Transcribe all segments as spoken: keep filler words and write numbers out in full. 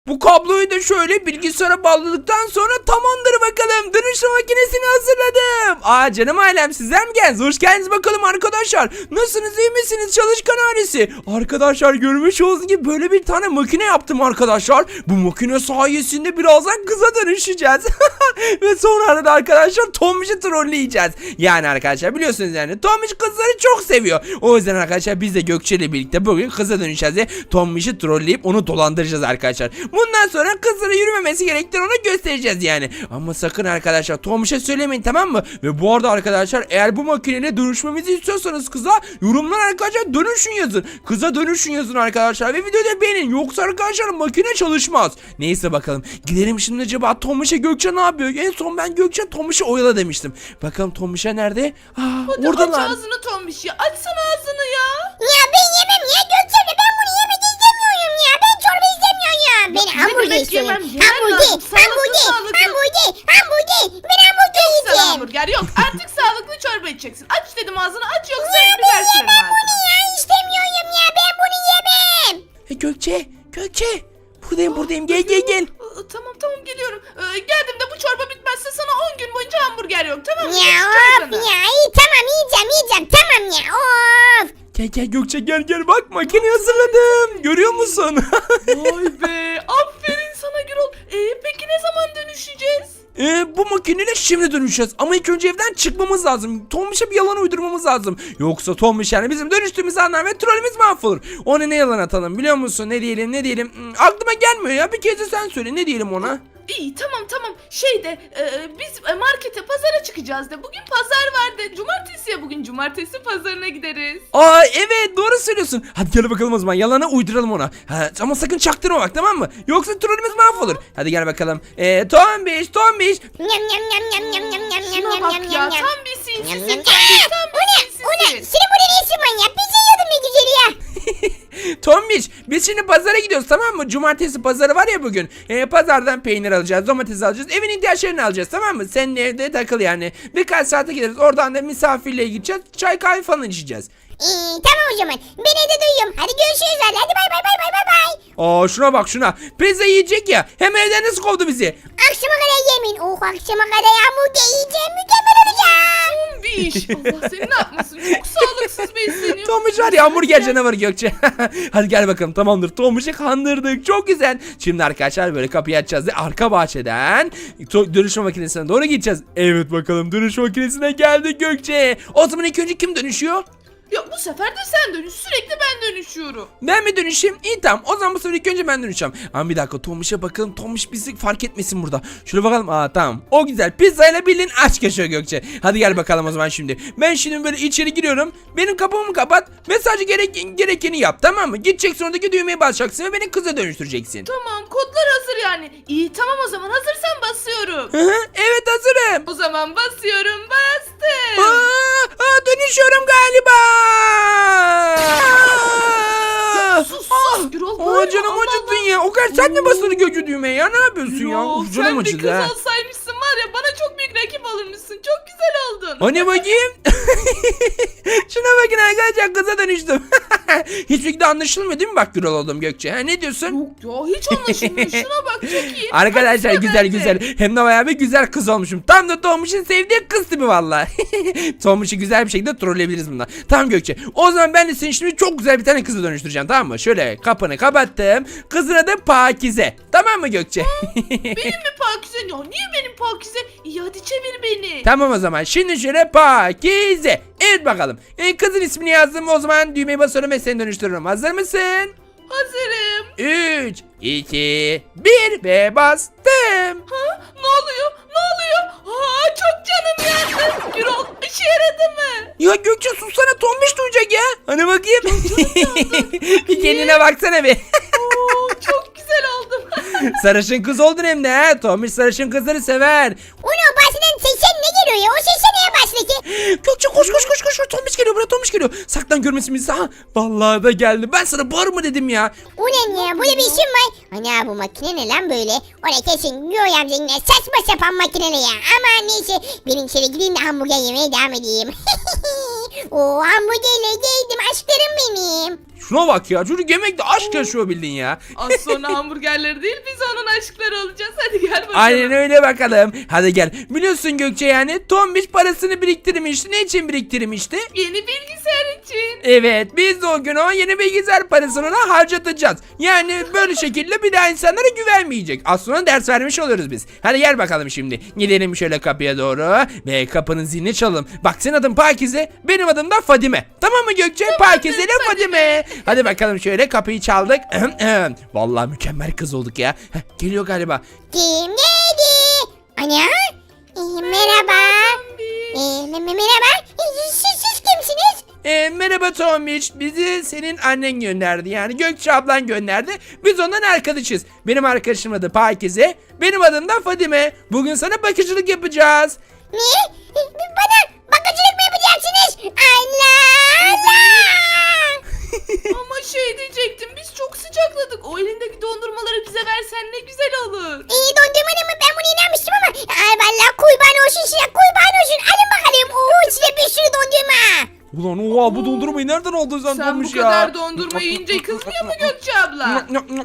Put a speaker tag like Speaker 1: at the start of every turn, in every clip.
Speaker 1: Bu kabloyu da şöyle bilgisayara bağladıktan sonra tamamdır bakalım. Dönüşüm makinesini hazırladım. Aa canım ailem, sizler mi geldiniz? Hoş geldiniz bakalım arkadaşlar. Nasılsınız, iyi misiniz çalışkan ailesi? Arkadaşlar görmüş olduğunuz gibi böyle bir tane makine yaptım arkadaşlar. Bu makine sayesinde birazdan kıza dönüşeceğiz. Ve sonra da arkadaşlar Tombiş'i trolleyeceğiz. Yani arkadaşlar biliyorsunuz yani Tombiş kızları çok seviyor. O yüzden arkadaşlar biz de Gökçe ile birlikte bugün kıza dönüşeceğiz ve Tombiş'i trolleyip onu dolandıracağız arkadaşlar. Bundan sonra kızlara yürümemesi gerektiğini ona göstereceğiz yani. Ama sakın arkadaşlar Tombiş'e söylemeyin, tamam mı? Ve bu arada arkadaşlar eğer bu makineyle dönüşmemizi istiyorsanız kıza yorumlar arkadaşlar dönüşün yazın. Kıza dönüşün yazın arkadaşlar ve videoyu da beğenin. Yoksa arkadaşlar makine çalışmaz. Neyse bakalım. Gidelim şimdi acaba Tombiş'e Gökçe ne yapıyor? En son ben Gökçe Tombiş'i oyala demiştim. Bakalım Tombiş'e nerede? Aa,
Speaker 2: Hadi
Speaker 1: oradalar.
Speaker 2: aç ağzını Tombiş ya. Açsana ağzını ya.
Speaker 3: Ya ben yemem ya Gökçem'le, ben bunu yemek istemiyorum ya. Ben çorba istemiyorum ya. Ben
Speaker 2: ne
Speaker 3: hamburger
Speaker 2: demek
Speaker 3: istiyorum.
Speaker 2: yemem? Yemen
Speaker 3: Hamburger,
Speaker 2: lazım. Sağlıklı,
Speaker 3: hamburger,
Speaker 2: sağlıklı.
Speaker 3: hamburger, hamburger. Ben hamburger
Speaker 2: Sana
Speaker 3: yiyeceğim.
Speaker 2: hamburger yok. Artık sağlıklı çorba içeceksin. Aç dedim ağzını, aç yoksa
Speaker 3: Ya
Speaker 2: biber
Speaker 3: ben
Speaker 2: sürerim
Speaker 3: yemem bunu
Speaker 2: ağzına.
Speaker 3: ya. İstemiyorum ya. Ben bunu yemem.
Speaker 1: E, Gökçe, Gökçe. Buradayım buradayım. Gel gel gel.
Speaker 2: Aa, Tamam tamam geliyorum. Ee, geldim de bu çorba bitmezse sana on gün boyunca hamburger yok, tamam mı?
Speaker 3: Ya
Speaker 2: Geç
Speaker 3: of
Speaker 2: çorbana.
Speaker 3: ya. İyi tamam yiyeceğim yiyeceğim. Tamam ya of.
Speaker 1: Gel gel Gökçe, gel gel, bak makineyi hazırladım. Görüyor musun?
Speaker 2: Vay be, aferin sana Gürol. Ee, peki ne zaman dönüşeceğiz?
Speaker 1: Ee, bu makineyle şimdi dönüşeceğiz. Ama ilk önce evden çıkmamız lazım. Tombiş'e bir yalan uydurmamız lazım. Yoksa Tombiş yani bizim dönüştüğümüz anlar ve trollümüz mahvolur. Ona ne yalan atalım biliyor musun? Ne diyelim ne diyelim? Hmm, aklıma gelmiyor ya. Bir kez de sen söyle. Ne diyelim ona?
Speaker 2: İyi tamam tamam. Şey de e, biz e, markete, pazara çıkacağız de. Bugün pazar vardı. Cumartesi ya bugün. Cumartesi pazarına gideriz.
Speaker 1: Aa evet, doğru söylüyorsun. Hadi gel bakalım o zaman. Yalana uyduralım ona. Ha, ama sakın çaktırma bak, tamam mı? Yoksa trollümüz mahvolur. Hadi gel bakalım. Ee, Tombiş Tombiş.
Speaker 3: Yam yam yam yam yam yam yam yam
Speaker 2: Şuna
Speaker 3: yam
Speaker 2: bak
Speaker 3: yam
Speaker 2: ya,
Speaker 3: yam.
Speaker 2: tam bir sinsisin.
Speaker 3: Yam,
Speaker 2: Tam
Speaker 3: yam.
Speaker 2: bir, tam
Speaker 3: O ne?
Speaker 2: bir
Speaker 3: O ne?
Speaker 2: sinsisin.
Speaker 3: Senin burada ne işin var ya? Pizza yiyordun ne güzeli ya.
Speaker 1: Tombiş, biz şimdi pazara gidiyoruz, tamam mı? Cumartesi pazarı var ya bugün. Ee, pazardan peynir alacağız, domates alacağız, evin ihtiyaçlarını alacağız, tamam mı? Senin evde takıl yani. Birkaç saate gideriz. Oradan da misafirliğe gideceğiz. Çay kahve falan içeceğiz.
Speaker 3: İyi tamam o zaman. Ben evde duyuyorum. Hadi görüşürüz hadi. Hadi bay bay bay bay bay bay.
Speaker 1: Aa şuna bak şuna. Pizza yiyecek ya. Hem evden nasıl kovdu bizi?
Speaker 3: Akşama kadar yemin. Oh akşama kadar hamburger yiyeceğim. Mükemmel olacak.
Speaker 2: Bir iş. Allah seni ne yapmasın? Çok sağlıksız besleniyor.
Speaker 1: Tombiş var ya, hamburger canavarı Gökçe. Hadi gel bakalım, tamamdır. Tombiş'i kandırdık. Çok güzel. Şimdi arkadaşlar böyle kapıyı açacağız ve arka bahçeden to- dönüşme makinesine doğru gideceğiz. Evet bakalım, dönüşme makinesine geldik Gökçe. O zaman ilk önce kim dönüşüyor?
Speaker 2: Ya bu sefer de sen dönüş. Sürekli ben dönüşüyorum.
Speaker 1: Ben mi dönüşeyim? İyi tamam. O zaman bu sefer ilk önce ben dönüşeceğim. Ama bir dakika, Tombiş'e bakalım. Tombiş bizi fark etmesin burada. Şöyle bakalım. Aa tamam. O güzel. Pizzayla bildiğin aç yaşıyor Gökçe. Hadi gel bakalım o zaman şimdi. Ben şimdi böyle içeri giriyorum. Benim kapımı kapat ve sadece gerek, gerekeni yap, tamam mı? Gideceksin, oradaki düğmeye basacaksın ve beni kıza dönüştüreceksin.
Speaker 2: Tamam, kodlar hazır yani. İyi tamam, o zaman hazırsan basıyorum.
Speaker 1: Hı hı, evet hazırım.
Speaker 2: O zaman basıyorum, bastım.
Speaker 1: Aa, aa, dönüşüyorum galiba.
Speaker 2: Ya sus sus Gürol,
Speaker 1: Aa,
Speaker 2: bağırma,
Speaker 1: canım
Speaker 2: Allah
Speaker 1: acıttın
Speaker 2: Allah.
Speaker 1: ya. O kadar sen de basılı Gökçe düğmeye ya. Ne yapıyorsun ya?
Speaker 2: Yo,
Speaker 1: Uf, canım
Speaker 2: sen bir
Speaker 1: acıdı
Speaker 2: kız
Speaker 1: ha.
Speaker 2: olsaymışsın var ya, bana çok büyük rakip olurmuşsun. Çok güzel oldun.
Speaker 1: Hani bakayım. Şuna bakın arkadaşlar, kıza dönüştüm. Hiçbir şekilde anlaşılmıyor değil mi bak Gürol oldum Gökçe? Ha, ne diyorsun?
Speaker 2: Yok ya, hiç anlaşılmıyor. Şuna bak, çok iyi.
Speaker 1: Arkadaşlar
Speaker 2: Baksana
Speaker 1: güzel
Speaker 2: bence.
Speaker 1: güzel. Hem de bayağı bir güzel kız olmuşum. Tam da Tombiş'in sevdiği kız tipi valla. Tombiş'i güzel bir şekilde trolleyebiliriz bundan. Tamam Gökçe. O zaman ben de seni şimdi çok güzel bir tane kızı dönüştüreceğim, tamam mı? Şöyle kapını kapattım. Kızın adı Pakize. Tamam mı Gökçe?
Speaker 2: Benim mi Pakize? Ya niye benim Pakize? İyi hadi çevir beni.
Speaker 1: Tamam o zaman. Şimdi şöyle Pakize. Evet bakalım. E, kızın ismini yazdım. O zaman düğmeye basıyorum ve seni dönüştürüyorum. Hazır mısın?
Speaker 2: Hazırım.
Speaker 1: üç, iki, bir ve bastım.
Speaker 2: Ha? Ne oluyor? Ne oluyor? Aa, çok canım yandı. Gürol, işe yaradı mı?
Speaker 1: Ya Gökçe sussana, Tombiş duyacak ya. Hani bakayım. Bir kendine baksana bir.
Speaker 2: Oo, çok güzel oldum.
Speaker 1: Sarışın kız oldun hem de ha. Tombiş sarışın kızları sever.
Speaker 3: Onu bahseden seçen ne geliyor ya? O seçen neye başladı?
Speaker 1: Gökçe koş koş koş koş. Tombiş geliyor buraya, Tombiş geliyor. Saklan görmesin bizi. Ha, vallahi da geldi. Ben sana bağırma dedim ya.
Speaker 3: O ne ya? Burada bir işim var. Ana bu makine ne lan böyle? Oraya kesin Göğe amcanın saçma sapan makine ne ya? Ama neyse ben içeri gideyim de hamburger yemeye devam edeyim. O hamburgerle geldim aşklarım benim.
Speaker 1: Şuna bak ya, çocuk yemekte aşk yaşıyor bildin ya.
Speaker 2: Az sonra hamburgerleri değil biz onun aşkları olacağız. Hadi gel bakalım.
Speaker 1: Aynen öyle bakalım. Hadi gel. Biliyorsun Gökçe, yani Tombiş parasını biriktirmişti. Ne için biriktirmişti?
Speaker 2: Yeni bilgisayar için.
Speaker 1: Evet, biz de o gün o yeni bilgisayar parasını ona harcatacağız. Yani böyle şekilde bir daha insanlara güvenmeyecek. Az sonra ders vermiş oluruz biz. Hadi gel bakalım şimdi. Gidelim şöyle kapıya doğru ve kapının zilini çalalım. Bak, senin adın Pakize, benim adım da Fadime. Tamam mı Gökçe? Pakize ile Fadime. Hadi bakalım, şöyle kapıyı çaldık. Vallahi mükemmel kız olduk ya. Heh, geliyor galiba.
Speaker 3: Kim geldi? Ana? Ee, merhaba. Ee, me- me- merhaba. Ee, siz, siz kimsiniz?
Speaker 1: E, merhaba Tombiş, bizi senin annen gönderdi, yani Gökçe ablan gönderdi. Biz ondan arkadaşız. Benim arkadaşım adı Pakize, benim adım da Fadime. Bugün sana bakıcılık yapacağız.
Speaker 3: Ne? Ee, Bana bakıcılık mı yapacaksınız? Allah Allah.
Speaker 2: Ama şey diyecektim biz çok sıcakladık. O elindeki dondurmaları bize versen ne güzel olur.
Speaker 3: İyi dondurmanın mı? Ben bunu inanmıştım ama. Ay vallahi kurban olsun size, kurban olsun. Alın bakalım. Oo, size bir sürü dondurma.
Speaker 1: Ulan oha, bu dondurmayı nereden aldın sen,
Speaker 2: Sen
Speaker 1: Tombiş
Speaker 2: bu
Speaker 1: ya?
Speaker 2: kadar dondurma yiyince kızmıyor mu Gökçe abla?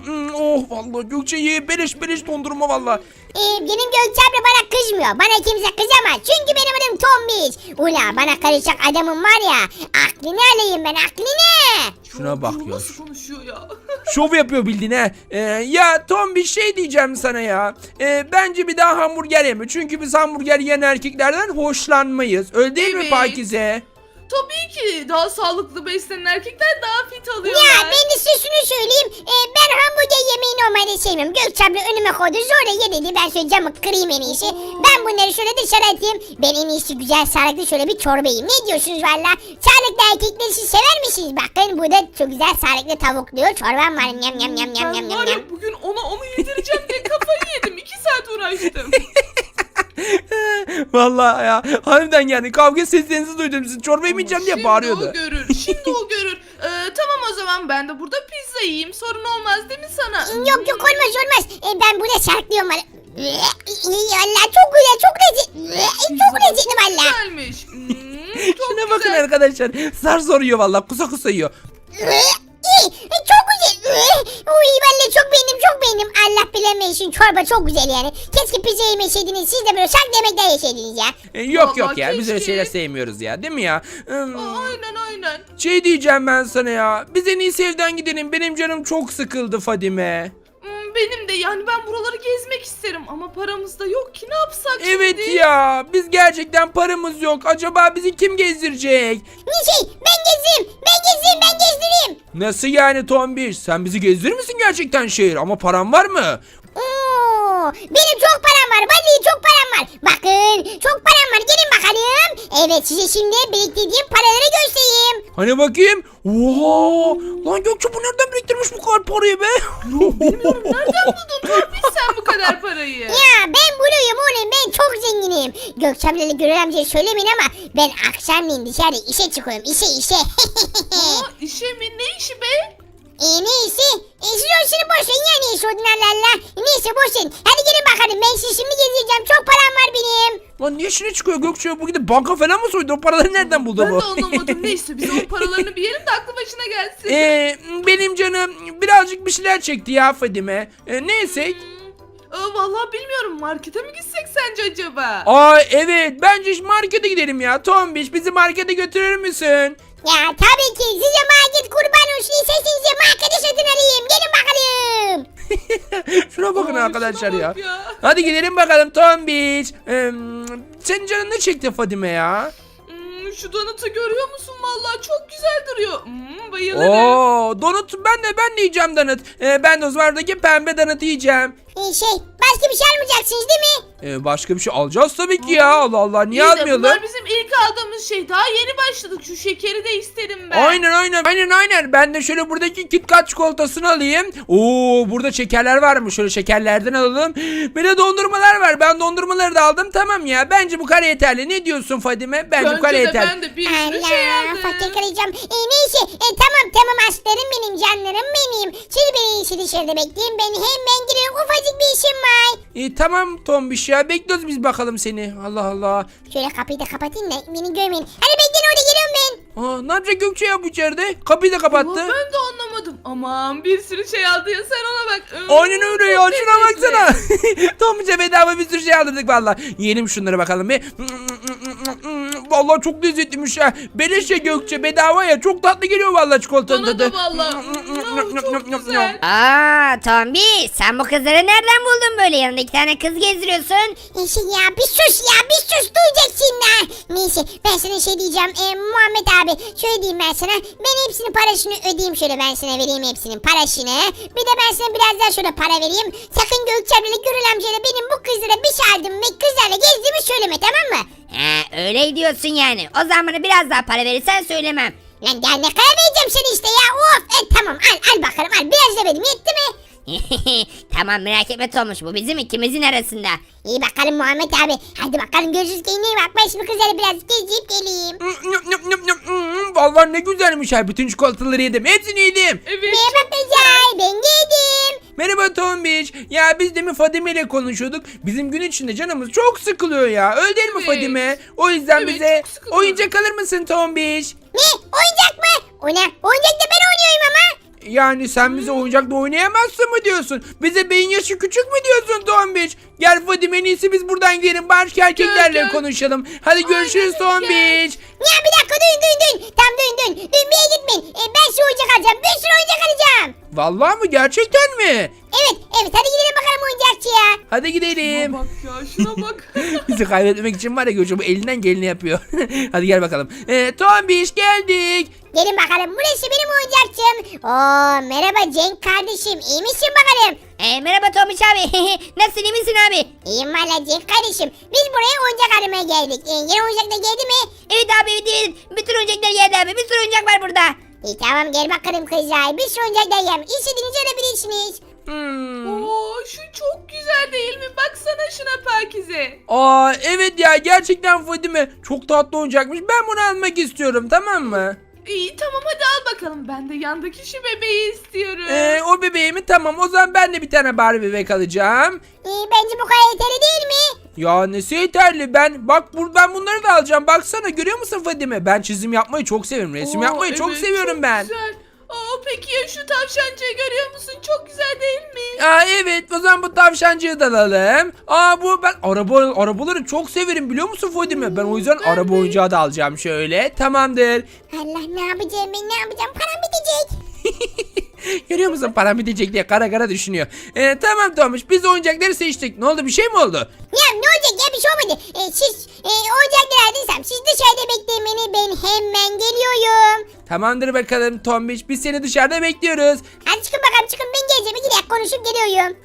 Speaker 1: Oh vallahi Gökçe, ye beleş beleş dondurma vallahi.
Speaker 3: Ee, benim Gökçe abla bana kızmıyor. Bana kimse kızamaz. Çünkü benim adım Tombiş. Ula bana karışacak adamım var ya. Aklını alayım ben, aklını.
Speaker 1: Şuna bak
Speaker 2: Bu
Speaker 1: ya.
Speaker 2: nasıl konuşuyor ya?
Speaker 1: Şov yapıyor bildiğin ha. Ee, ya Tom, bir şey diyeceğim sana ya. Ee, bence bir daha hamburger yeme. Çünkü biz hamburger yiyen erkeklerden hoşlanmayız. Öyle değil mi
Speaker 2: Evet.
Speaker 1: Pakize?
Speaker 2: Tabii ki daha sağlıklı beslenen erkekler daha fit alıyorlar.
Speaker 3: Ya ben de size şunu söyleyeyim. Ee, ben hamburger yemeği normalde sevmiyorum. Gökçe abla önüme koydu. Sonra ye dedi. Ben şöyle camı kırayım en iyisi. Ben bunları şöyle dışarı atayım. Ben en iyisi güzel sağlıklı şöyle bir çorba yiyeyim. Ne diyorsunuz valla? Sağlıklı erkekleri siz sever misiniz? Bakın burada çok güzel sağlıklı tavuklu çorbam var. Yam yam yam yam
Speaker 2: Ben
Speaker 3: yam
Speaker 2: var
Speaker 3: yam.
Speaker 2: ya bugün ona onu yedireceğim diye kafayı yedim. İki saat uğraştım.
Speaker 1: Vallahi ya, harbiden yani kavga seslerinizi duydum, sizin çorba yemeyeceğim diye bağırıyordu.
Speaker 2: Şimdi o görür. Şimdi o görür. Ee, tamam o zaman ben de burada pizza yiyeyim. Sorun olmaz değil mi sana?
Speaker 3: Yok yok olmaz olmaz. Ee, ben burada şarklıyorum valla. Allah çok güzel, çok lezzetli. Çok lezzetli valla.
Speaker 2: Güzelmiş. Hmm, çok
Speaker 1: Şuna bakın
Speaker 2: güzel.
Speaker 1: arkadaşlar, zar zor yiyor vallahi, kusa kusa yiyor.
Speaker 3: Çok güzel. Uy vallahi çok beğendim, çok beğendim. Allah bilemeyin, çorba çok güzel yani. Keşke pizza yemeseydiniz, siz de böyle şarklı yemekler yeseydiniz ya.
Speaker 1: Ee, yok
Speaker 2: Vallahi
Speaker 1: yok ya, biz öyle
Speaker 2: keşke.
Speaker 1: şeyler sevmiyoruz ya, değil mi ya? Hmm,
Speaker 2: Aa, aynen aynen.
Speaker 1: şey diyeceğim ben sana ya, biz en iyisi evden gidelim, benim canım çok sıkıldı Fadime.
Speaker 2: Hmm, benim de yani ben buraları gezmek isterim ama paramız da yok ki ne yapsak
Speaker 1: Evet
Speaker 2: şimdi?
Speaker 1: ya, biz gerçekten paramız yok, acaba bizi kim gezdirecek?
Speaker 3: Ne şey, ben gezeyim, ben gezeyim, ben gezdireyim.
Speaker 1: Nasıl yani Tombiş, sen bizi gezdirir misin gerçekten şehir, ama paran var mı?
Speaker 3: Oo, benim çok param var, vallahi çok param var. Bakın, çok param var, gelin bakalım. Evet, size şimdi biriktirdiğim paraları göstereyim.
Speaker 1: Hani bakayım? Oha! Lan Gökçe, bu nereden biriktirmiş bu kadar parayı be?
Speaker 2: Bilmiyorum nereden buldun Torpil sen bu kadar parayı?
Speaker 3: Ya ben buluyum oğlum, ben çok zenginim. Gökçemle Gürel amcaya söylemeyin ama ben akşamleyin dışarı işe çıkıyorum, işe işe.
Speaker 2: Aa, işe mi? Ne işi be?
Speaker 3: E neyse, e, siz o işini boş verin ya, neyse odun Allah Allah. Neyse boş verin, hadi gelin bakalım, ben sizi şimdi gezdireceğim, çok param var benim.
Speaker 1: Lan niye işine çıkıyor Gökçe? Bu gidip banka falan mı soydu? O paraları nereden buldu
Speaker 2: Ben
Speaker 1: bu?
Speaker 2: de anlamadım. Neyse biz onun paralarını bir yerim de aklı başına gelsin.
Speaker 1: Ee, benim canım birazcık bir şeyler çekti ya Fadime. Ee, neyse.
Speaker 2: Aa, vallahi bilmiyorum. Markete mi gitsek sence acaba?
Speaker 1: Aa evet, bence markete gidelim ya. Tombiş, bizi markete götürür müsün?
Speaker 3: Ya tabii ki, size market kurban olsun, isterseniz markete satın alayım, gelin bakalım.
Speaker 1: Şuna bakın
Speaker 2: Aa,
Speaker 1: arkadaşlar
Speaker 2: şuna
Speaker 1: ya.
Speaker 2: bak ya.
Speaker 1: Hadi gidelim bakalım Tombiş. Ee, senin canın ne çekti Fadime ya?
Speaker 2: Hmm, şu donatı görüyor musun? Vallahi çok güzel duruyor. Hmm, bayılırım.
Speaker 1: Oo, donut, ben de ben de yiyeceğim donut. Ee, ben de o zaman oradaki pembe donut yiyeceğim.
Speaker 3: E, şey, başka bir şey almayacaksınız değil mi?
Speaker 1: Ee, başka bir şey alacağız tabii ki ya. Allah Allah, niye
Speaker 2: İyi de
Speaker 1: almayalım?
Speaker 2: bunlar bizim ilk aldığımız şey. Daha yeni başladık. Şu şekeri de isterim ben.
Speaker 1: Aynen aynen aynen aynen. Ben de şöyle buradaki KitKat çikolatasını alayım. Oo, burada şekerler varmış. Şöyle şekerlerden alalım. Bir de dondurmalar var. Ben dondurmaları da aldım. Tamam ya. Bence bu kadar yeterli. Ne diyorsun Fadime? Bence, bu kadar
Speaker 2: Bence de
Speaker 1: yeterli.
Speaker 2: ben de bir sürü şey
Speaker 3: Allah,
Speaker 2: aldım.
Speaker 3: fakir kalacağım. E, neyse, e, tamam tamam aslanım benim, canlarım benim. Siz beni iyisi dışarıda bekleyin, ben hemen giriyorum, ufacık bir işim var.
Speaker 1: E, tamam Tombiş ya bekliyoruz biz bakalım seni. Allah Allah.
Speaker 3: Şöyle kapıyı da kapatayım da beni görmeyin. Hadi bekleyin orada geliyorum ben.
Speaker 1: Aa, ne yapacak Gökçe ya bu içeride? Kapıyı da kapattı.
Speaker 2: Ama ben de anlamadım. Aman bir sürü şey aldı ya sen ona bak.
Speaker 1: Aynen öyle ya
Speaker 2: Çok
Speaker 1: şuna
Speaker 2: lezzetli.
Speaker 1: baksana. Tombiş'e bedava bir sürü şey aldırdık valla. Yiyelim şunları bakalım bir. Vallahi çok lezzetliymiş ya. Beleş ya Gökçe bedava ya. Çok tatlı geliyor vallahi çikolatanın
Speaker 2: Bana
Speaker 1: tadı.
Speaker 2: da valla. Çok güzel.
Speaker 4: Aa Tombi sen bu kızları nereden buldun böyle yanında iki tane kız gezdiriyorsun?
Speaker 3: Neyse ya bir sus ya bir sus duyacaksın da. Neyse ben sana şey diyeceğim. E, Muhammed abi şöyle diyeyim ben sana. Ben hepsinin parasını ödeyeyim şöyle ben sana vereyim hepsinin parasını. Bir de ben sana biraz daha şöyle para vereyim. Sakın Gökçem'le Gürül amcayla benim bu kızlara bir çaldım ve kızlarla gezdiğimi söyleme tamam mı?
Speaker 4: He öyle diyorsun yani. O zaman bana biraz daha para verirsen söylemem.
Speaker 3: Lan daha ne kadar vereceğim sana işte ya of. E, tamam al al bakalım al biraz da vereyim yetti mi?
Speaker 4: Tamam merak etme Tomuş bu bizim ikimizin arasında.
Speaker 3: İyi bakalım Muhammed abi. Hadi bakalım görüşürüz kendine iyi bak. Ben şimdi kızları biraz gezip geleyim.
Speaker 1: Vallahi ne güzelmiş ya. Bütün çikolataları yedim. Hepsini yedim.
Speaker 2: Evet.
Speaker 3: Merhaba kızlar ben geldim.
Speaker 1: Merhaba Tombiş. Ya biz demin Fadime ile konuşuyorduk. Bizim gün içinde canımız çok sıkılıyor ya. Öyle değil mi
Speaker 2: Evet.
Speaker 1: Fadime? O yüzden
Speaker 2: Evet,
Speaker 1: bize
Speaker 2: çok sıkılıyorum.
Speaker 1: oyuncak alır mısın Tombiş?
Speaker 3: Ne oyuncak mı? O ne? Oyuncak da ben oynuyorum ama.
Speaker 1: Yani sen bize oyuncakla oynayamazsın mı diyorsun? Bize beyin yaşı küçük mü diyorsun Tombiş? Gel Fadime en iyisi biz buradan gidelim. Başka erkeklerle
Speaker 2: gel.
Speaker 1: konuşalım. Hadi görüşürüz
Speaker 2: öyle, gel.
Speaker 1: Tombiş.
Speaker 3: Ya bir dakika duyun duyun duyun. Tam duyun duyun. Duyun bir yere gitmeyin. E, ben size oyuncak alacağım. Bir sürü oyuncak alacağım.
Speaker 1: Vallahi mı? Gerçekten mi?
Speaker 3: Evet evet hadi gidelim bakalım oyuncakçıya.
Speaker 1: Hadi gidelim.
Speaker 2: Şuna bak ya şuna bak.
Speaker 1: Bizi kaybetmek için var ya Gökçe bu elinden geleni yapıyor. Hadi gel bakalım. Ee, Tombiş geldik.
Speaker 3: Gelin bakalım burası benim oyuncakçım. Oo merhaba Cenk kardeşim. İyi misin bakalım?
Speaker 4: E, merhaba Tomuş abi. Nasılsın iyi misin abi?
Speaker 3: İyiyim valla Cenk kardeşim. Biz buraya oyuncak aramaya geldik. E, yeni oyuncak da geldi mi?
Speaker 4: Evet abi evet, evet. Bütün oyuncaklar yerde abi. Bir sürü oyuncak var burada.
Speaker 3: İyi tamam gel bakalım kızlar. Bir sürü oyuncak da yem. İstediğinizi alabilirsiniz.
Speaker 1: Hmm.
Speaker 2: Oo şu çok güzel değil mi? Baksana şuna Pakize.
Speaker 1: Aa evet ya gerçekten Fadime çok tatlı oyuncakmış. Ben bunu almak istiyorum tamam mı?
Speaker 2: İyi tamam hadi al bakalım. Ben de yandaki şu bebeği istiyorum.
Speaker 1: Ee, o bebeğimi tamam o zaman ben de bir tane Barbie bebek alacağım.
Speaker 3: E, bence bu kadar yeterli değil mi?
Speaker 1: Ya nesi yeterli ben bak bur ben bunları da alacağım baksana görüyor musun Fadime? Ben çizim yapmayı çok seviyorum resim
Speaker 2: Oo,
Speaker 1: yapmayı çok
Speaker 2: evet,
Speaker 1: seviyorum
Speaker 2: çok
Speaker 1: ben.
Speaker 2: Güzel. Aa, peki ya şu tavşancığı görüyor musun? Çok güzel değil mi?
Speaker 1: Aa evet o zaman bu tavşancığı da alalım. Aa bu ben araba arabaları çok severim biliyor musun Fadime? Ben o yüzden
Speaker 2: ben
Speaker 1: araba
Speaker 2: de.
Speaker 1: oyuncağı da alacağım şöyle. Tamamdır.
Speaker 3: Allah ne yapacağım ben ne yapacağım param bitecek.
Speaker 1: Görüyor musun param bitecek diye kara kara düşünüyor. Ee, tamam Tomuş biz oyuncakları seçtik. Ne oldu bir şey mi oldu?
Speaker 3: Ya ne olacak ya bir şey olmadı. E, siz e, oyuncakları aldıysam siz dışarıda bekleyin beni ben hemen geliyorum.
Speaker 1: Tamamdır bakalım Tombiş biz seni dışarıda bekliyoruz.
Speaker 3: Hadi çıkın bakalım çıkın ben geleceğim iki dakika konuşup geliyorum.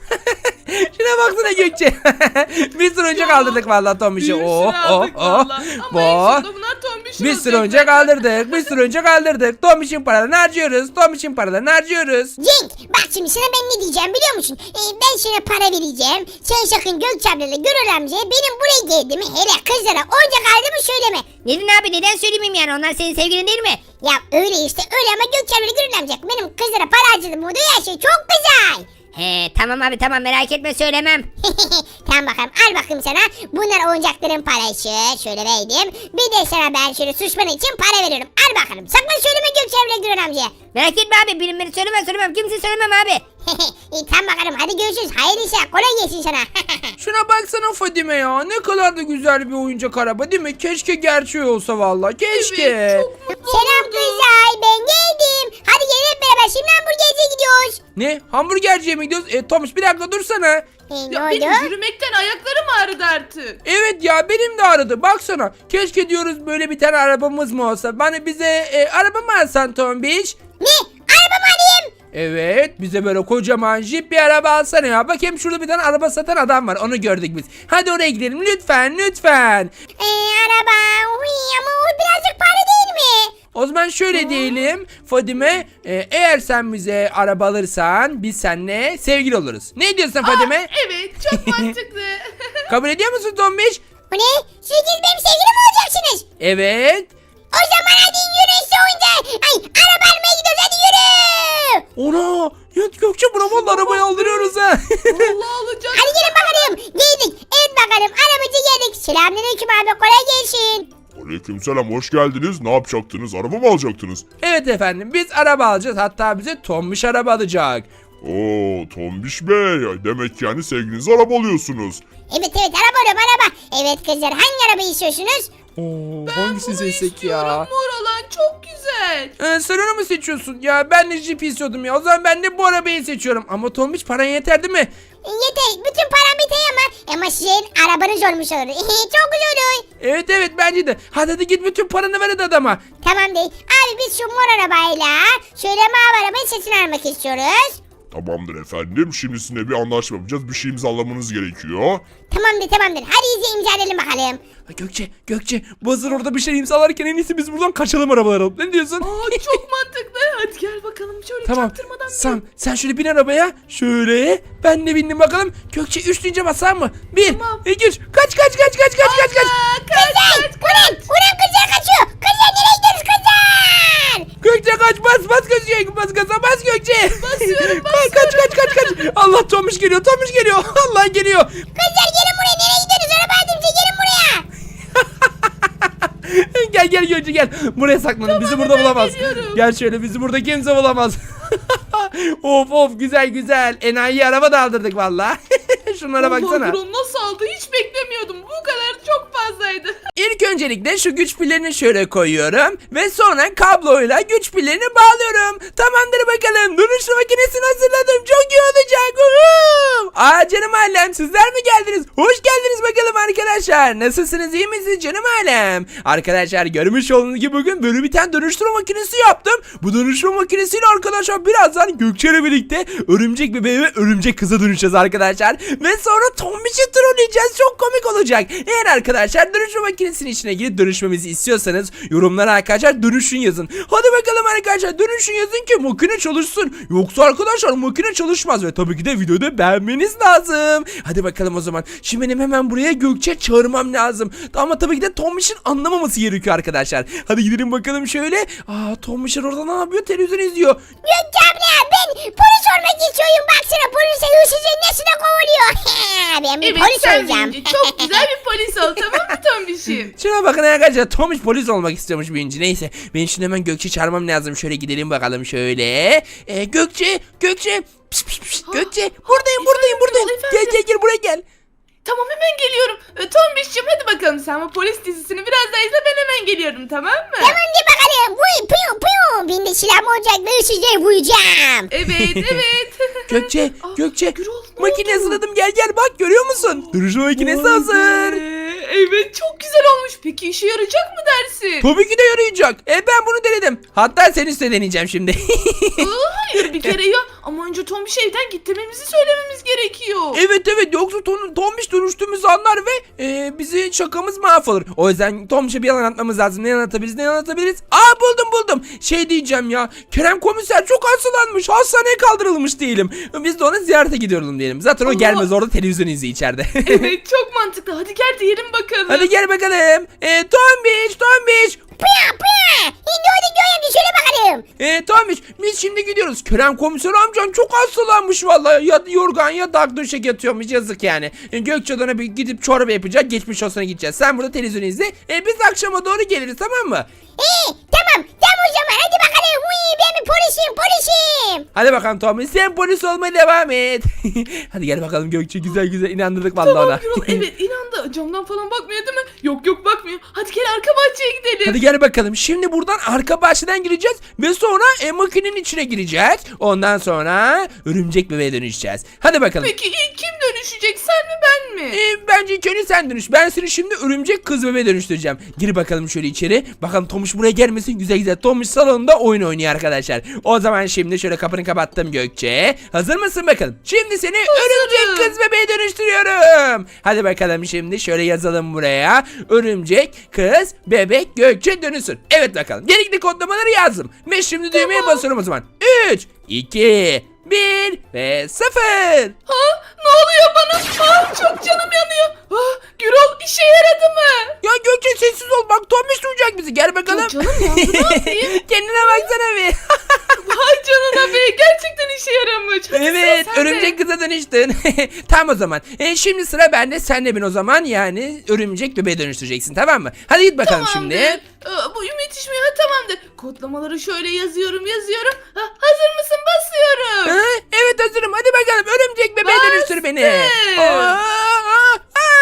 Speaker 1: Şuna baksana Gökçe. bir sürü oyuncak
Speaker 2: Ya,
Speaker 1: aldırdık vallahi Tombiş'e.
Speaker 2: Bir
Speaker 1: Oh
Speaker 2: sürü
Speaker 1: oh
Speaker 2: aldık
Speaker 1: oh.
Speaker 2: valla. Ama en
Speaker 1: Oh.
Speaker 2: sonunda bunlar tombişin
Speaker 1: Bir sürü
Speaker 2: olacak
Speaker 1: oyuncak
Speaker 2: zaten.
Speaker 1: aldırdık. Bir sürü oyuncak aldırdık. Tombiş'in paralarını harcıyoruz. Tombiş'in paralarını harcıyoruz.
Speaker 3: Cenk bak şimdi sana ben ne diyeceğim biliyor musun? E, ben sana para vereceğim. Sen sakın Gökçe ablayla Gürül amcaya benim buraya geldiğimi hele kızlara oyuncak aldığımı söyleme.
Speaker 4: Neden abi neden söylemeyeyim yani onlar senin sevgilin değil mi?
Speaker 3: Ya öyle işte öyle ama Gökçe ablayla Gürül amca benim kızlara para harcadım. Bu da her şey çok güzel.
Speaker 4: He tamam abi tamam merak etme söylemem.
Speaker 3: Tamam bakalım al bakayım sana. Bunlar oyuncakların parası. Şöyle verdim. Bir de sana ben şöyle susman için para veriyorum. Al bakalım. Sakın söyleme Gökçe ablayla Gürül amcaya.
Speaker 4: Merak etme abi bilinmeni söylemem söylemem kimse söylemem abi.
Speaker 3: İyi tamam bakalım hadi görüşürüz. Hayırlı işler kolay gelsin sana.
Speaker 1: Şuna baksana Fadime ya. Ne kadar da güzel bir oyuncak araba değil mi? Keşke gerçeği olsa vallahi. Keşke.
Speaker 2: Evet, çok mutlu
Speaker 3: Selam
Speaker 2: oldum.
Speaker 3: kızlar ben geldim. Hadi gelin hep beraber şimdi hamburgerciye gidiyoruz.
Speaker 1: Ne? Hamburgerciye mi gidiyoruz? E, Tomuş bir dakika dursana.
Speaker 3: E, ne
Speaker 2: Ya
Speaker 3: oldu?
Speaker 2: benim yürümekten ayaklarım ağrıdı artık.
Speaker 1: Evet ya benim de aradı. Baksana. Keşke diyoruz böyle bir tane arabamız mı olsa. Bana bize e, araba mı alsan Tombiş?
Speaker 3: Ne? Araba mı alayım?
Speaker 1: Evet bize böyle kocaman jip bir araba alsana ya. Bak hem şurada bir tane araba satan adam var onu gördük biz. Hadi oraya gidelim lütfen lütfen.
Speaker 3: E, araba. Uy, ama o birazcık pahalı değil mi?
Speaker 1: O zaman şöyle diyelim Fadime e, eğer sen bize araba alırsan biz seninle sevgili oluruz. Ne diyorsun Fadime?
Speaker 2: Aa, evet çok mantıklı.
Speaker 1: Kabul ediyor musun Tombiş?
Speaker 3: Bu ne? Siz benim sevgilim mi olacaksınız?
Speaker 1: Evet.
Speaker 3: O zaman hadi yürüyün şu oyuncağı. Ay araba almaya gidiyoruz hadi yürü.
Speaker 1: Ona ya Gökçe buna vallahi arabayı aldırıyoruz ha.
Speaker 2: Allah alacak.
Speaker 3: Hadi gelin bakalım. abi kolay gelsin.
Speaker 5: Aleykümselam, hoş geldiniz. Ne yapacaktınız? Araba mı alacaktınız?
Speaker 1: Evet efendim biz araba alacağız. Hatta bize Tombiş araba alacak.
Speaker 5: Oo, Tombiş Bey. Demek yani sevgilinize araba alıyorsunuz.
Speaker 3: Evet evet araba araba araba. Evet kızlar hangi arabayı istiyorsunuz?
Speaker 1: Oo,
Speaker 2: Ben
Speaker 1: hangisini
Speaker 2: bunu
Speaker 1: seçsek
Speaker 2: istiyorum.
Speaker 1: ya?
Speaker 2: Mor olan çok güzel.
Speaker 1: Ee, sen onu mu seçiyorsun? Ya ben de Jeep istiyordum ya. O zaman ben de bu arabayı seçiyorum. Ama Tombiş paran yeter değil mi?
Speaker 3: Yeter bütün param biter ama. Ama sizin arabanız olmuş olur. Çok güzel olur.
Speaker 1: Evet evet bence de. Hadi hadi git bütün paranı ver hadi adama.
Speaker 3: Tamam değil. Abi biz şu mor arabayla şöyle mavi arabayı satın almak istiyoruz.
Speaker 5: Tamamdır efendim. Şimdi sizinle bir anlaşma yapacağız. Bir şey imzalamanız gerekiyor.
Speaker 3: Tamamdır tamamdır. Hadi iyice imzalayalım bakalım.
Speaker 1: Ha, Gökçe Gökçe bu hazır orada bir şey imzalarken en iyisi biz buradan kaçalım arabalar alıp. Ne diyorsun?
Speaker 2: Aa, çok mantıklı. Hadi gel bakalım şöyle
Speaker 1: Tamam.
Speaker 2: çaktırmadan.
Speaker 1: Sam sen şöyle bin arabaya. Şöyle. Ben de bindim bakalım. Gökçe üç deyince basar mı? Bir.
Speaker 2: Tamam.
Speaker 1: iki, üç. Kaç kaç kaç kaç kaç kaç kaç.
Speaker 3: Kızlar! Ulan! Ulan kızlar kaçıyor! Kızlar nereye gidiyoruz kızlar?
Speaker 1: Gökçe kaç bas bas Gökçe. Bas gaza bas Gökçe.
Speaker 2: Basıyorum,
Speaker 1: Kaç kaç kaç kaç kaç. Allah Tomuş geliyor Tomuş geliyor. Allah geliyor.
Speaker 3: Kızlar gelin buraya nereye gidiyoruz? Araba aldım size gelin buraya.
Speaker 1: Gel gel Gökçe gel. Buraya saklanın. Bizi burada
Speaker 2: hemen
Speaker 1: bulamaz.
Speaker 2: geliyorum.
Speaker 1: Gel şöyle bizi burada kimse bulamaz. Of of güzel güzel. Enayi araba da aldırdık valla. Şunlara
Speaker 2: Allah,
Speaker 1: baksana.
Speaker 2: Gürol nasıl aldı hiç beklemiyordum. Bu kadar çok fazlaydı.
Speaker 1: İlk öncelikle şu güç pillerini şöyle koyuyorum. Ve sonra kabloyla güç pillerini bağlıyorum. Tamamdır bakalım. Dönüşüm makinesini hazırladım. Çok iyi olacak. Uhu! Aa canım ailem sizler mi geldiniz? Hoş geldiniz bakalım arkadaşlar. Nasılsınız iyi misiniz canım ailem? Arkadaşlar görmüş olduğunuz gibi bugün böyle bir tane dönüştürme makinesi yaptım. Bu dönüştürme makinesiyle arkadaşlar birazdan Gökçe ile birlikte örümcek bebeğe ve örümcek kıza dönüşeceğiz arkadaşlar. Ve sonra Tombiş'i trolleyeceğiz. Çok komik olacak. Eğer arkadaşlar dönüştürme makinesinin içine girip dönüşmemizi istiyorsanız yorumlara arkadaşlar dönüşün yazın. Hadi bakalım arkadaşlar dönüşün yazın ki makine çalışsın. Yoksa arkadaşlar makine çalışmaz ve tabii ki de videoda beğenmeniz lazım. Hadi bakalım o zaman. Şimdi benim hemen buraya Gökçe çağırmam lazım. Ama tabii ki de Tombiş'in anlamaması gerekiyor arkadaşlar. Hadi gidelim bakalım şöyle. Aa Tombiş'in orada ne yapıyor? Televizyon izliyor.
Speaker 3: Gökçe abla ben polis olmak istiyorum. Baksana polise hırsızı nasıl da kovalıyor. Ben bir
Speaker 2: Evet
Speaker 3: polis
Speaker 2: sen
Speaker 3: olacağım.
Speaker 2: büyüyünce çok güzel bir polis ol tamam mı Tombiş'im?
Speaker 1: Şuna bakın arkadaşlar Tomuş polis olmak istiyormuş büyüyünce. Neyse ben şimdi hemen Gökçe çağırmam lazım. Şöyle gidelim bakalım şöyle. Ee, Gökçe Gökçe pişt, pişt, pişt.
Speaker 2: Ha,
Speaker 1: Gökçe
Speaker 2: ha,
Speaker 1: buradayım buradayım
Speaker 2: efendim,
Speaker 1: buradayım.
Speaker 2: efendim.
Speaker 1: Gel gel gel buraya gel.
Speaker 2: Tamam hemen geliyorum. Ee, Tombiş'cim hadi bakalım sen bu polis dizisini biraz daha izle ben hemen geliyorum tamam mı?
Speaker 3: Tamam de bakalım. Vuy piyo piyo. Benim de silahım olacak ve hırsızları vuracağım.
Speaker 2: Evet evet.
Speaker 1: Gökçe
Speaker 2: Aa,
Speaker 1: Gökçe
Speaker 2: Gürol, ne
Speaker 1: makine
Speaker 2: oldu?
Speaker 1: hazırladım gel gel bak görüyor musun? Dönüşüm makinesi
Speaker 2: Vay
Speaker 1: hazır.
Speaker 2: be, Evet çok güzel olmuş. Peki işe yarayacak mı dersin?
Speaker 1: Tabii ki de yarayacak. E ben bunu denedim. Hatta seni üstüne deneyeceğim şimdi.
Speaker 2: Aa, hayır bir kere ya. Ama önce Tombiş'i evden gittirmemizi söylememiz gerekiyor.
Speaker 1: Evet evet yoksa Tom, Tombiş dönüştüğümüzü anlar ve e, bizi şakamız mahvolur. O yüzden Tombiş'e bir yalan atmamız lazım. Ne anlatabiliriz ne anlatabiliriz? Aa buldum buldum. Şey diyeceğim ya. Kerem komiser çok hastalanmış. Hastaneye kaldırılmış diyelim. Biz de ona ziyarete gidiyorum diyelim. Zaten o
Speaker 2: Allah.
Speaker 1: gelmez orada televizyon izliyor içeride.
Speaker 2: Evet çok mantıklı. Hadi gel diyelim bakalım.
Speaker 1: Hadi gel bakalım. E, Tombiş Tombiş.
Speaker 3: Piyo piyo. Şimdi hadi Göğe şöyle bakalım.
Speaker 1: E, Tombiş biz şimdi gidiyoruz. Kerem komiser amcan çok hastalanmış vallahi. Ya yorgan ya da döşek yatıyormuş yazık yani. E, Gökçe'den bir gidip çorba yapacak. Geçmiş olsuna gideceğiz. Sen burada televizyon izle. E, biz akşama doğru geliriz tamam mı?
Speaker 3: İyi tamam tamam o zaman hadi bakalım. Uy ben bir polisim polisim.
Speaker 1: Hadi bakalım Tommy sen polis olmaya devam et. Hadi gel bakalım Gökçe güzel güzel inandırdık vallahi
Speaker 2: Tamam
Speaker 1: ona.
Speaker 2: Gürol evet inandı. Camdan falan bakmıyor değil mi? Yok yok bakmıyor. Hadi gel arka bahçeye gidelim.
Speaker 1: Hadi gel bakalım. Şimdi buradan arka bahçeden gireceğiz ve sonra e, makinenin içine gireceğiz. Ondan sonra örümcek bebeğe dönüşeceğiz. Hadi bakalım.
Speaker 2: Peki ilk kim dönüşecek sen mi ben mi?
Speaker 1: E, bence ilk önce sen dönüş. Ben seni şimdi örümcek kız bebeğe dönüştüreceğim. Gir bakalım şöyle içeri. Bakalım Tomuş buraya gelmesin. Güzel güzel. Tomuş salonunda oyun oynuyor arkadaşlar. O zaman şimdi şöyle kapını kapattım Gökçe. Hazır mısın bakalım? Şimdi seni örümcek kız bebeğe dönüştürüyorum. Hadi bakalım şimdi şöyle yazalım buraya. Örümcek kız bebek Gökçe dönüşsün. Evet bakalım. Gerekli kodlamaları yazdım. Ve şimdi düğmeye basıyorum o zaman. üç, iki, bir ve sıfır.
Speaker 2: Ha ne oluyor bana? Ha çok canım yanıyor. Ha Gürol işe yaradı mı?
Speaker 1: Ya Gökçe sessiz ol bak Tomuş duyacak bizi gel bakalım.
Speaker 2: Ya canım yandı, ne yapayım?
Speaker 1: Kendine baksana bir.
Speaker 2: Vay canına be gerçekten işe yaramış. Hadi
Speaker 1: Evet
Speaker 2: sıra sende.
Speaker 1: örümcek kıza dönüştün. Tamam o zaman zaman. E, şimdi sıra bende. Sen de beni o zaman yani örümcek bebeğe dönüştüreceksin, tamam mı? Hadi git bakalım
Speaker 2: Tamamdır.
Speaker 1: şimdi.
Speaker 2: Aa, bu yetişmiyor. Ha, tamamdır. Kodlamaları şöyle yazıyorum yazıyorum. Ha, hazır mısın? Basıyorum.
Speaker 1: Ha, evet hazırım. Hadi bakalım örümcek bebeğe
Speaker 2: Bastım.
Speaker 1: dönüştür beni. Aa, aa,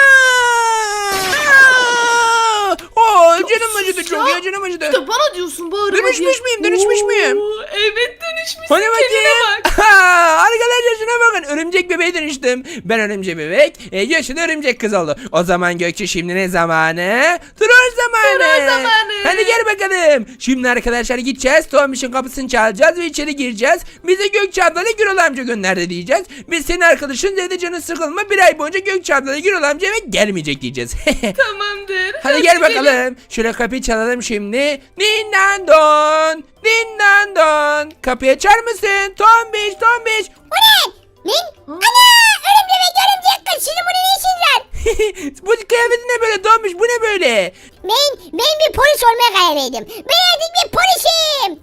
Speaker 1: aa. Oo, canım
Speaker 2: sus
Speaker 1: acıdı çok
Speaker 2: ya.
Speaker 1: ya, canım acıdı.
Speaker 2: İşte bana diyorsun bağırma
Speaker 1: Dönüşmüş
Speaker 2: diye.
Speaker 1: müyüm, dönüşmüş
Speaker 2: Oo,
Speaker 1: müyüm?
Speaker 2: Evet dönüşmüşsün.
Speaker 1: Hadi
Speaker 2: Kendine
Speaker 1: bakayım.
Speaker 2: bak.
Speaker 1: Arkadaşlar şuna bakın. Örümcek bebeğe dönüştüm. Ben örümcek bebek. E, Gökçe de örümcek kız oldu. O zaman Gökçe şimdi ne zamanı? Troll zamanı.
Speaker 2: Troll zamanı.
Speaker 1: Hadi gel bakalım. Şimdi arkadaşlar gideceğiz. Tomiş'in kapısını çalacağız ve içeri gireceğiz. Bize Gökçe ablayla Gürol amca gönderdi diyeceğiz. Biz senin arkadaşın dedi canı sıkılma. Bir ay boyunca Gökçe ablayla Gürol amca eve gelmeyecek diyeceğiz.
Speaker 2: Tamamdır.
Speaker 1: Hadi gel
Speaker 2: gidelim.
Speaker 1: bakalım. Şöyle kapıyı çalalım şimdi. Dindandon. Dindandon. Kapıyı açar mısın? Tombiş, Tombiş.
Speaker 3: Bu ne? Ne? Ana! Örümcek örümcek kız. Sizin burada ne işiniz var?
Speaker 1: Bu kıyafetin ne böyle Tombiş? Bu ne böyle?
Speaker 3: Ben, ben bir polis olmaya karar verdim. Ben artık bir polisim.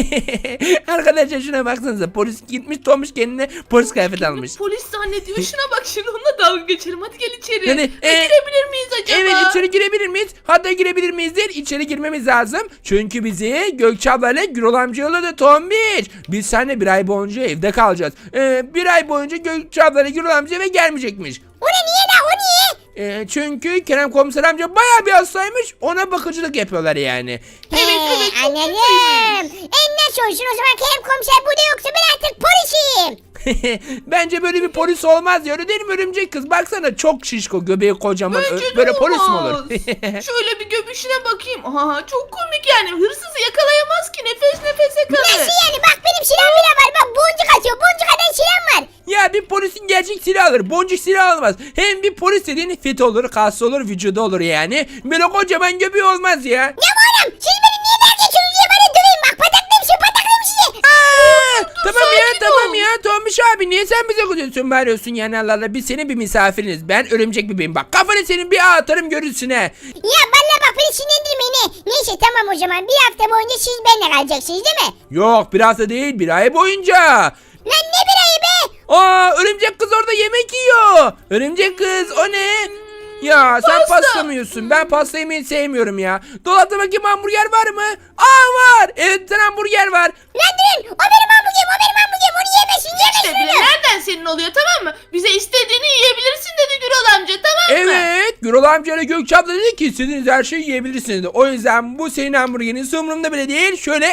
Speaker 1: Arkadaşlar şuna baksanıza. Polis gitmiş, Tombiş kendine polis kıyafeti almış.
Speaker 2: Polis zannediyor. Şuna bak şimdi onunla dalga geçelim. Hadi gel içeri.
Speaker 1: Yani,
Speaker 2: E,
Speaker 1: e,
Speaker 2: girebilir miyiz acaba?
Speaker 1: Evet, içeri girebilir miyiz? Hatta girebilir miyiz değil, içeri girmemiz lazım. Çünkü bizi Gökçe ablayla Gürol amca yolladı Tombiş. Biz seninle bir ay boyunca evde kalacağız. Ee, bir ay boyunca Gökçe ablayla Gürol amca eve gelmeyecekmiş.
Speaker 3: O ne niye la o niye?
Speaker 1: Ee, çünkü Kerem komiser amca bayağı bir hastaymış. Ona bakıcılık yapıyorlar yani.
Speaker 2: Evet, evet, çok
Speaker 3: anladım. En nasıl olsun o zaman Kerem komiser burada yoksa ben artık polisim.
Speaker 1: Bence böyle bir polis olmaz ya, öyle değil mi örümcek kız? Baksana çok şişko, göbeği kocaman.
Speaker 2: Bence
Speaker 1: Ö-
Speaker 2: de
Speaker 1: böyle polis mi
Speaker 2: olmaz.
Speaker 1: olur?
Speaker 2: Şöyle bir göbüşüne bakayım. Aha çok komik yani. Hırsızı yakalayamaz ki. Nefes nefese kalır.
Speaker 3: Nasıl yani bak benim silahım bile var. Bak boncuk atıyor. Boncuk atan silahım var.
Speaker 1: Ya bir polisin gerçek silah alır, boncuk silah almaz. Hem bir polis dediğin fit olur, kaslı olur, vücudu olur yani. Böyle kocaman göbeği olmaz ya.
Speaker 3: Ya oğlum siz beni niye dalga geçiyorsunuz diye bana döveyim bak. Pataklayayım sizi pataklayayım sizi.
Speaker 1: Aa, tamam ya
Speaker 2: sakin
Speaker 1: tamam
Speaker 2: ol.
Speaker 1: ya Tomiş abi, niye sen bize kızıyorsun, bağırıyorsun yani? Allah Allah, biz senin bir misafiriniz, ben örümcek bebeğim, bak kafanı senin bir atarım görürsün he.
Speaker 3: Ya valla bak beni sinirlendirmeyin ne. Neyse tamam o zaman bir hafta boyunca siz benimle kalacaksınız değil mi?
Speaker 1: Yok, bir hafta değil, bir ay boyunca.
Speaker 3: Lan ne bir ayı be?
Speaker 1: Aa, örümcek kız orada yemek yiyor. Örümcek kız o ne? Ya sen
Speaker 2: Pasta.
Speaker 1: pasta mı yiyorsun? Ben pasta yemeyi sevmiyorum ya. Dolapta bakayım hamburger var mı? Aa var. Evet, sen hamburger var.
Speaker 3: Lan durun o benim hamburgerim o benim hamburgerim onu yemesin
Speaker 2: İşte bile
Speaker 3: yemesin.
Speaker 2: nereden senin oluyor tamam mı? Bize istediğini yiyebilirsin dedi Gürol amca tamam mı?
Speaker 1: Evet. Gürol amca ile Gökçe abla dedi ki istediğiniz her şeyi yiyebilirsiniz dedi. O yüzden bu senin hamburgerin umurumda bile değil. Şöyle.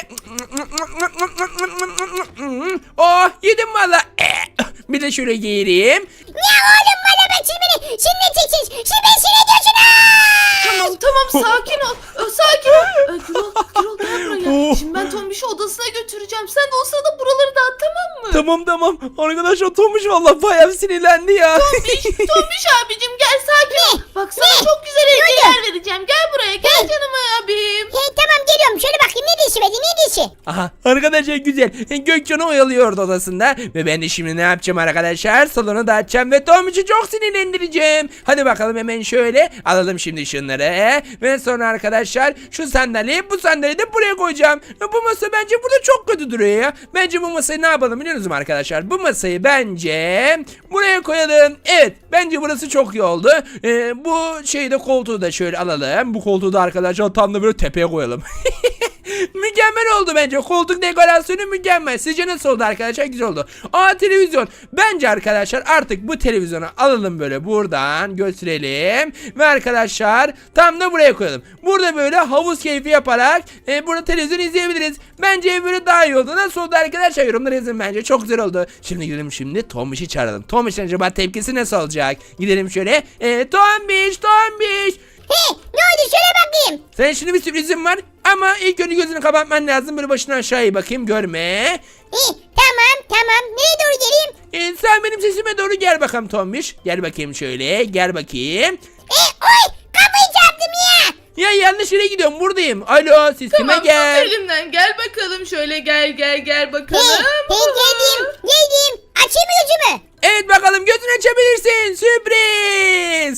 Speaker 1: Oh, yedim valla. Bir de şöyle yiyeyim.
Speaker 3: Ya oğlum bana bak siz beni sinirle çeksiniz. Siz beni sinirle diyorsunuz.
Speaker 2: Tamam tamam sakin ol. Ee, Sakin ol. Ee, Gürol, Gürol gel buraya. Şimdi ben Tombiş'i odasına götüreceğim. Sen de o sırada buraları dağıt tamam mı?
Speaker 1: Tamam tamam. Arkadaşlar Tomuş valla bayağı sinirlendi ya.
Speaker 2: Tombiş, Tombiş abicim gel sakin ol. Bak sana
Speaker 3: Ne?
Speaker 2: çok güzel hediyeler vereceğim. Gel buraya gel
Speaker 3: Ne?
Speaker 2: canım abim.
Speaker 3: He tamam geliyorum şöyle bakayım ne dişi verdi ne dişi.
Speaker 1: Aha, arkadaşlar güzel. Gökçen'i oyalıyordu odasında. Ve ben de şimdi ne yapacağım arkadaşlar? Salonu dağıtacağım ve Tomuş'u çok sinirlendireceğim. Hadi bakalım hemen şöyle alalım şimdi şunları. Ve sonra arkadaşlar şu sandalyeyi bu sandalyeyi de buraya koyacağım. Bu masa bence burada çok kötü duruyor ya. Bence bu masayı ne yapalım biliyor musunuz arkadaşlar? Bu masayı bence buraya koyalım. Evet, bence burası çok iyi oldu. Ee, bu şeyi de koltuğu da şöyle alalım. Bu koltuğu da arkadaşlar tam da böyle tepeye koyalım. Mükemmel oldu bence. Koltuk dekorasyonu mükemmel. Sizce nasıl oldu arkadaşlar? Güzel oldu. Aa, televizyon. Bence arkadaşlar artık bu televizyonu alalım böyle buradan götürelim. Ve arkadaşlar tam da buraya koyalım. Burada böyle havuz keyfi yaparak e, burada televizyon izleyebiliriz. Bence ev böyle daha iyi oldu. Nasıl oldu arkadaşlar? Yorumlara yazın bence. Çok güzel oldu. Şimdi gidelim şimdi Tombiş'i çağıralım. Tombiş'in acaba tepkisi nasıl olacak? Gidelim şöyle. E, Tombiş, Tombiş.
Speaker 3: He ne oldu şöyle bakayım.
Speaker 1: Sen şimdi bir sürprizim var ama ilk önce gözünü kapatman lazım. Böyle başına aşağıya bakayım, görme.
Speaker 3: He tamam tamam nereye doğru geleyim?
Speaker 1: Ee, sen benim sesime doğru gel bakalım Tombiş. Gel bakayım şöyle, gel bakayım.
Speaker 3: E oy kapıyı çarptım ya.
Speaker 1: Ya yanlış yere gidiyorum, buradayım. Alo, sesime
Speaker 2: Tamam
Speaker 1: gel.
Speaker 2: tut elimden gel bakalım şöyle gel gel gel
Speaker 3: He
Speaker 2: bakalım.
Speaker 3: he geldim geldim. Açayım mı gözümü?
Speaker 1: Evet bakalım, gözünü açabilirsin. Sürpriz.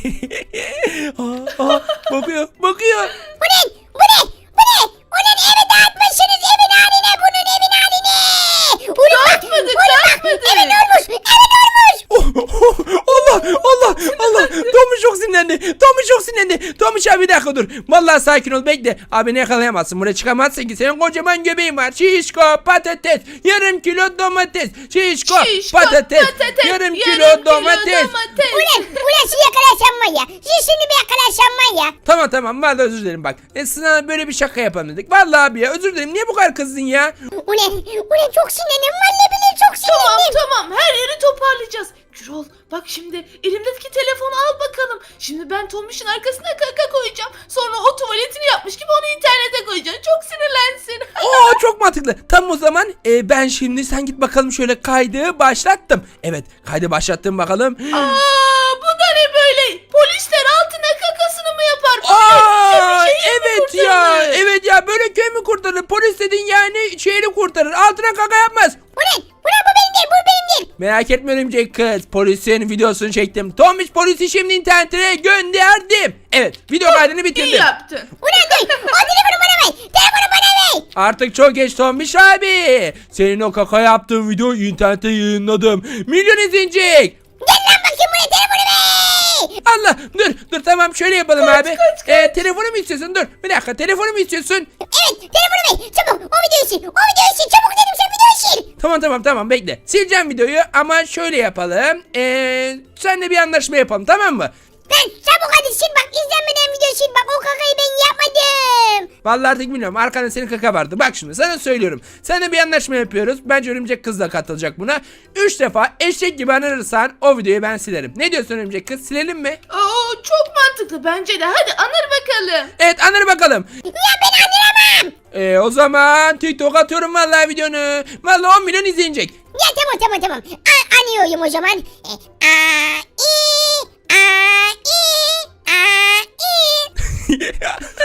Speaker 1: aa, aa, bakıyor, bakıyor.
Speaker 3: Bu ne? Bu ne? Bu ne? Onun evi dağıtmışsınız evin haline bunun evin haline. Ulan bak,
Speaker 2: Dağıtmadık,
Speaker 3: ulan bak,
Speaker 2: dağıtmadık.
Speaker 3: Evin olmuş evin olmuş.
Speaker 1: Oh, oh, Allah Allah Allah. Tomuş çok sinirlendi. Tomuş çok sinirlendi. Tomuş abi bir dakika dur. Vallahi sakin ol bekle. Abi ne yakalayamazsın. Buraya çıkamazsın ki. Senin kocaman göbeğin var. Şişko patates. Yarım kilo domates. Şişko,
Speaker 2: Şişko,
Speaker 1: patates.
Speaker 2: patates,
Speaker 1: Yarım kilo
Speaker 2: kilo
Speaker 1: domates.
Speaker 2: domates.
Speaker 3: Ulan ulan şu yakalaşan var ya. Şu şimdi bir yakalaşan var ya.
Speaker 1: Tamam tamam vallahi özür dilerim bak. E, sana böyle bir şaka yapalım dedik. Vallahi abi ya özür dilerim. Niye bu kadar kızdın ya?
Speaker 3: Ulan ulan çok sinirlendim. Vallahi billahi çok
Speaker 2: Tamam
Speaker 3: sinirlendim.
Speaker 2: tamam her yeri toparlayacağız. Gürol bak şimdi elimdeki telefonu al bakalım. Şimdi ben Tombiş'in arkasına kaka koyacağım. Sonra o tuvaletini yapmış gibi onu internete koyacağım. Çok sinirlensin.
Speaker 1: Oo çok mantıklı. Tam o zaman e, ben şimdi sen git bakalım şöyle kaydı başlattım. Evet kaydı başlattım bakalım.
Speaker 2: Aa bu da ne böyle? Polisler altına kakasını mı yapar? Bu
Speaker 1: Aa
Speaker 2: ne? Bir şehir mi
Speaker 1: evet ya
Speaker 2: kurtarır?
Speaker 1: evet ya böyle köy mü kurtarır? Polis dedin yani şehri kurtarır. Altına kaka yapmaz.
Speaker 3: Ulan ulan bu benim değil bu benim değil.
Speaker 1: Merak etme örümcek kız. Polisin videosunu çektim. Tomiş polisi şimdi internete gönderdim. Evet video kaydını
Speaker 2: İyi
Speaker 1: bitirdim.
Speaker 2: yaptın.
Speaker 3: Ulan dur. O telefonu bana ver. Telefonu bana ver.
Speaker 1: Artık çok geç Tomiş abi. Senin o kaka yaptığın videoyu internete yayınladım. Milyon izlenecek.
Speaker 3: Gel lan bakayım buraya telefonu ver.
Speaker 1: Allah dur dur tamam şöyle yapalım
Speaker 2: Kaç,
Speaker 1: abi.
Speaker 2: kaç, kaç.
Speaker 1: Ee, telefonu mu istiyorsun? Dur bir dakika telefonu mu istiyorsun?
Speaker 3: Evet telefonu ver. Çabuk o videoyu sil. O videoyu sil. Çabuk dedim sen videoyu sil.
Speaker 1: Tamam tamam tamam bekle. Sileceğim videoyu ama şöyle yapalım. Ee, senle bir anlaşma yapalım tamam mı?
Speaker 3: Lan çabuk hadi sil bak. İzlenmeden video sil bak. O kakayı ben yapmadım.
Speaker 1: Vallahi artık bilmiyorum. Arkanda senin kaka vardı. Bak şimdi sana söylüyorum. Seninle bir anlaşma yapıyoruz. Bence örümcek kız da katılacak buna. Üç defa eşek gibi anırırsan o videoyu ben silerim. Ne diyorsun örümcek kız? Silelim mi?
Speaker 2: Oo, çok mantıklı bence de. Hadi anır bakalım.
Speaker 1: Evet anır bakalım.
Speaker 3: Ya ben anlayamam.
Speaker 1: Ee, o zaman TikTok atıyorum vallahi videonu. Vallahi on milyon izlenecek.
Speaker 3: Ya tamam tamam tamam. A anıyorum o zaman. E, a i a i a i.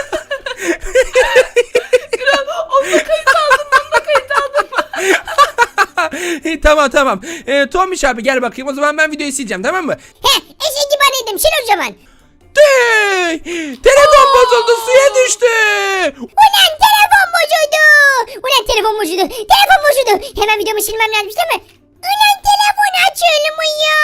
Speaker 2: Onunla kayıt aldım. Onunla kayıt aldım.
Speaker 1: Ee, tamam tamam. Ee, Tomiş abi gel bakayım. O zaman ben videoyu sileceğim tamam mı?
Speaker 3: He eşek gibi anıyordum sil o zaman.
Speaker 1: Tüy! Telefon bozuldu suya düştü.
Speaker 3: Ulan telefon bozuldu. Ulan telefon bozuldu. Telefon bozuldu. Hemen videomu silmem lazım değil mi? Ulan telefon açılmıyor.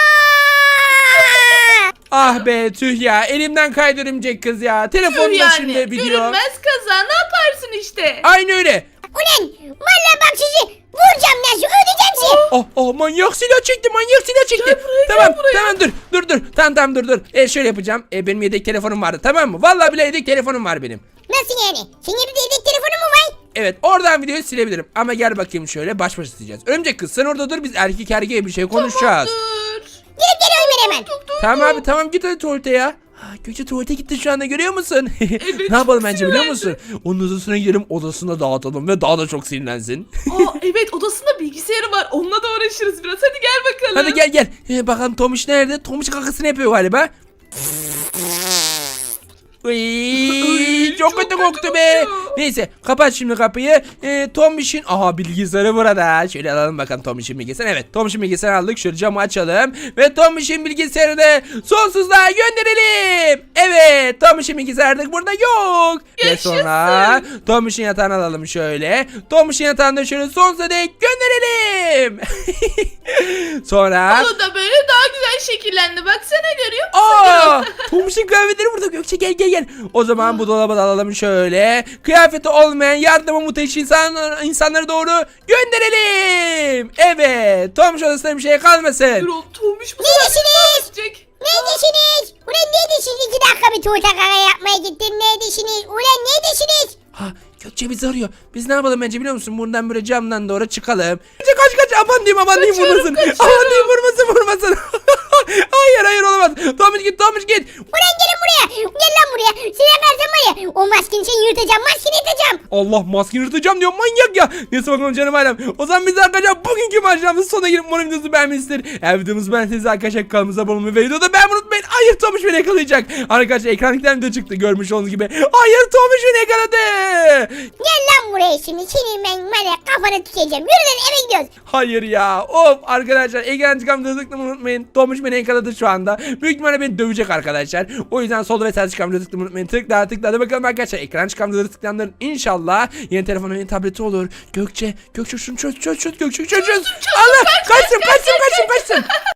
Speaker 1: Ah be tüh ya elimden kaydı örümcek kız ya. Telefonun
Speaker 2: Tüh yani.
Speaker 1: başında video.
Speaker 2: Görünmez kaza. Ne yaparsın işte?
Speaker 1: Aynı öyle.
Speaker 3: Ulan vallahi bak sizi vuracağım nasıl ödeyeceğim sizi.
Speaker 1: Oh oh manyak silah çekti manyak silah çekti.
Speaker 2: Gel buraya, gel
Speaker 1: tamam
Speaker 2: buraya.
Speaker 1: tamam dur dur dur. Tamam tamam dur dur. E şöyle yapacağım. E benim yedek telefonum vardı tamam mı? Vallahi bile yedek telefonum var benim.
Speaker 3: Nasıl yani? Senin evde yedek telefonu mu var?
Speaker 1: Evet oradan videoyu silebilirim. Ama gel bakayım şöyle baş başa sileceğiz. Örümcek kız sen orada dur biz erkek erkeğe bir şey konuşacağız.
Speaker 2: Dur.
Speaker 3: Gelip geliyorum ben hemen.
Speaker 2: Dur, dur,
Speaker 1: Tamam
Speaker 2: dur.
Speaker 1: abi tamam git hadi tuvalete ya. Ha, Gökçe tuvalete gitti şu anda görüyor musun? ne yapalım bence biliyor musun? Onun odasına gidelim odasına dağıtalım ve daha da çok sinirlensin.
Speaker 2: Aa, evet odasında bilgisayarı var. Onunla da uğraşırız biraz. Hadi gel bakalım.
Speaker 1: Hadi gel gel. Ee, bakalım Tomiş nerede? Tomiş kakasını yapıyor galiba. Uy, çok
Speaker 2: çok
Speaker 1: kötü
Speaker 2: kötü
Speaker 1: koktu be.
Speaker 2: kokuyor.
Speaker 1: Neyse kapat şimdi kapıyı. Ee, Tomiş'in aha bilgisayarı burada. Şöyle alalım bakalım Tomiş'in bilgisayarı. Evet Tomiş'in bilgisayarı aldık. Şöyle camı açalım. Ve Tomiş'in bilgisayarını sonsuzluğa gönderelim. Evet Tomiş'in bilgisayarı da burada yok. Ve
Speaker 2: Yaşasın.
Speaker 1: sonra Tomiş'in yatağını alalım şöyle. Tomiş'in yatağını da şöyle sonsuza dek gönderelim. Sonra
Speaker 2: O da böyle daha güzel şekillendi. Baksana görüyor musun?
Speaker 1: Aa, Tomiş'in kıyafetleri burada Gökçe gel gel gel. O zaman bu dolaba da alalım şöyle. Kıyafeti olmayan yardıma muhteşem insan, insanları doğru gönderelim. Evet Tomiş odasında bir şey kalmasın.
Speaker 2: Gürol Tomiş bu
Speaker 3: Neredesiniz?
Speaker 2: sefer
Speaker 3: Neredesiniz? Ulan neredesiniz? İki dakika bir tuğla kaka yapmaya gittin. Neredesiniz? Ulan neredesiniz?
Speaker 1: Ha Gökçe bizi arıyor. Biz ne yapalım bence biliyor musun? Buradan böyle camdan doğru çıkalım. Gökçe kaç kaç aman diyeyim aman diyeyim
Speaker 2: Kaçıyorum,
Speaker 1: vurmasın.
Speaker 2: kaçıyorum.
Speaker 1: Aman diyeyim vurmasın vurmasın. hayır hayır olamaz. Tomiş git Tomiş git.
Speaker 3: Ulan gelin buraya. Gel lan buraya. Seni yakarsam var ya. O maskeni seni yırtacağım. Maskeni yırtacağım.
Speaker 1: Allah maskeni yırtacağım diyor manyak ya. Neyse bakalım canım ailem. O zaman biz arkadaşlar bugünkü maceramızın sonuna gelip umarım videomuzu beğenmişsinizdir. Eğer videomuzu beğendiyseniz arkadaşlar kanalımıza abone olmayı ve videoda beğenmeyi unutmayın. Hayır Tomiş beni yakalayacak. Arkadaşlar ekranlıktan video çıktı görmüş olduğunuz gibi. Hayır Tomiş beni yakaladı.
Speaker 3: Gel lan buraya şimdi. Seni ben var ya kafana tükeceğim. Yürü lan eve gidiyoruz.
Speaker 1: Hayır ya. Of arkadaşlar ekran çıkan videoyu tıklamayı unutmayın. Tomiş beni yakaladı şu anda. Büyük ihtimalle beni dövecek arkadaşlar. O yüzden solda ve sağda çıkan videoyu tıklamayı unutmayın. Tıkla tıkla hadi bakalım arkadaşlar. Ekran çıkan videoları tıklayanların inşallah yeni telefonu yeni tableti olur. Gökçe Gökçe şunu çöz çöz çöz Gökçe çöz çöz. Allah kaçsın kaçsın kaçsın kaçsın.